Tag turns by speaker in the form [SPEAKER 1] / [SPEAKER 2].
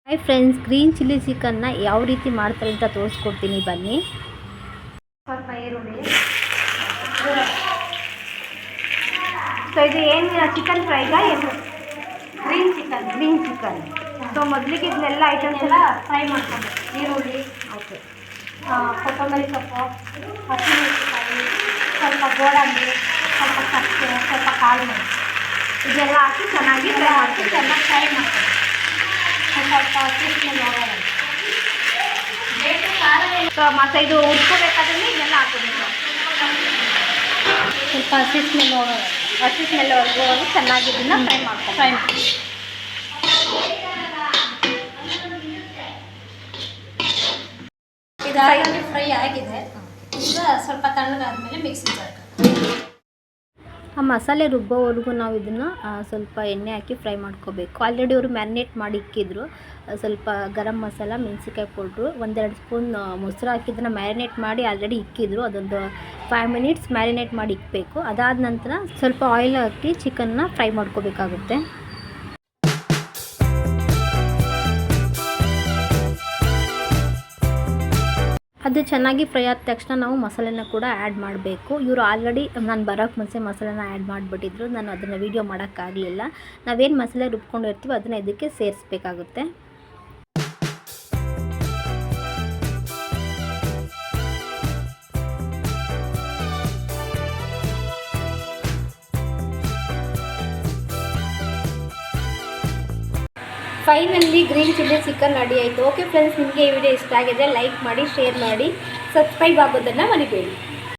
[SPEAKER 1] Hi friends, green chilli ಚಿಕನ್ನ ಯಾವ ರೀತಿ ಮಾಡ್ತಾರೆ ಅಂತ ತೋರಿಸ್ಕೊಡ್ತೀನಿ ಬನ್ನಿ.
[SPEAKER 2] ಸ್ವಲ್ಪ ಈರುಳ್ಳಿ. ಸೊ ಇದು ಏನು ಚಿಕನ್ ಫ್ರೈಗ ಏನು? Green chicken. ಸೊ ಮೊದಲಿಗೆ ಇದನ್ನೆಲ್ಲ ಐಟಮ್ಸ್ ಎಲ್ಲ ಫ್ರೈ ಮಾಡ್ಕೊಬೇಕು. ಈರುಳ್ಳಿ, ಓಕೆ, ಕೊತ್ತಂಬರಿ ಸೊಪ್ಪು, ಹಸಿಮೆಣಸಿನಕಾಯಿ, ಸ್ವಲ್ಪ ಗೋಡಂಬಿ, ಸ್ವಲ್ಪ ಚಕ್ಕೆ, ಸ್ವಲ್ಪ ಕಾಳು ಮೆಣಸು, ಇದೆಲ್ಲ ಹಾಕಿ ಚೆನ್ನಾಗಿ ಫ್ರೈ ಮಾಡ್ತೀವಿ. ಚೆನ್ನಾಗಿ ಫ್ರೈ ಮಾಡ್ತೀವಿ. ಸ್ವಲ್ಪ ಹಸಿಮೆಣಸಿನ ಹೋಗೋಣ. ಸೊ ಮತ್ತು ಇದು ಉಟ್ಕೋಬೇಕಾದ್ರೆ ಇದೆಲ್ಲ ಹಾಕೋಬೇಕು. ಸ್ವಲ್ಪ ಹಸಿ ಸ್ಮೆಲ್ ಹೋಗೋದು ಚೆನ್ನಾಗಿ ಇದನ್ನು ಫ್ರೈ ಮಾಡಿ. ಇದಾಗಿ ಫ್ರೈ ಆಗಿದೆ. ಈಗ ಸ್ವಲ್ಪ ತಣ್ಣಗಾದ್ಮೇಲೆ ಮಿಕ್ಸಿ ಜಾರ್ಗೆ
[SPEAKER 1] ಆ ಮಸಾಲೆ ರುಬ್ಬೋವರೆಗೂ ನಾವು ಇದನ್ನು ಸ್ವಲ್ಪ ಎಣ್ಣೆ ಹಾಕಿ ಫ್ರೈ ಮಾಡ್ಕೋಬೇಕು. ಆಲ್ರೆಡಿ ಅವರು ಮ್ಯಾರಿನೇಟ್ ಮಾಡಿ ಇಕ್ಕಿದ್ರು. ಸ್ವಲ್ಪ ಗರಂ ಮಸಾಲ, ಮೆಣಸಿನ್ಕಾಯಿ ಪೌಡ್ರು, 1-2 ಸ್ಪೂನ್ ಮೊಸರು ಹಾಕಿದ್ದನ್ನು ಮ್ಯಾರಿನೇಟ್ ಮಾಡಿ ಆಲ್ರೆಡಿ ಇಕ್ಕಿದ್ರು. ಅದೊಂದು 5 ಮಿನಿಟ್ಸ್ ಮ್ಯಾರಿನೇಟ್ ಮಾಡಿ ಇಕ್ಕಬೇಕು. ಅದಾದ ನಂತರ ಸ್ವಲ್ಪ ಆಯಿಲ್ ಹಾಕಿ ಚಿಕನ್ನ ಫ್ರೈ ಮಾಡ್ಕೋಬೇಕಾಗುತ್ತೆ. ಅದು ಚೆನ್ನಾಗಿ ಫ್ರೈ ಆದ ತಕ್ಷಣ ನಾವು ಮಸಾಲೆನ ಕೂಡ ಆ್ಯಡ್ ಮಾಡಬೇಕು. ಇವರು ಆಲ್ರೆಡಿ ನಾನು ಬರೋಕ್ಕೆ ಮುಂಚೆ ಮಸಾಲೆನ ಆ್ಯಡ್ ಮಾಡಿಬಿಟ್ಟಿದ್ರು. ನಾನು ಅದನ್ನು ವೀಡಿಯೋ ಮಾಡೋಕ್ಕಾಗಲಿಲ್ಲ. ನಾವೇನು ಮಸಾಲೆ ರುಬ್ಕೊಂಡಿರ್ತೀವೋ ಅದನ್ನು ಇದಕ್ಕೆ ಸೇರಿಸ್ಬೇಕಾಗುತ್ತೆ. Finally green chilli chicken ready ಆಯಿತು. ಓಕೆ ಫ್ರೆಂಡ್ಸ್, ನಿಮಗೆ ಈ ವಿಡಿಯೋ ಇಷ್ಟ ಆಗಿದೆ ಲೈಕ್ ಮಾಡಿ, ಶೇರ್ ಮಾಡಿ, ಸಬ್ಸ್ಕ್ರೈಬ್ ಆಗೋದನ್ನು ಮರಿಬೇಡಿ.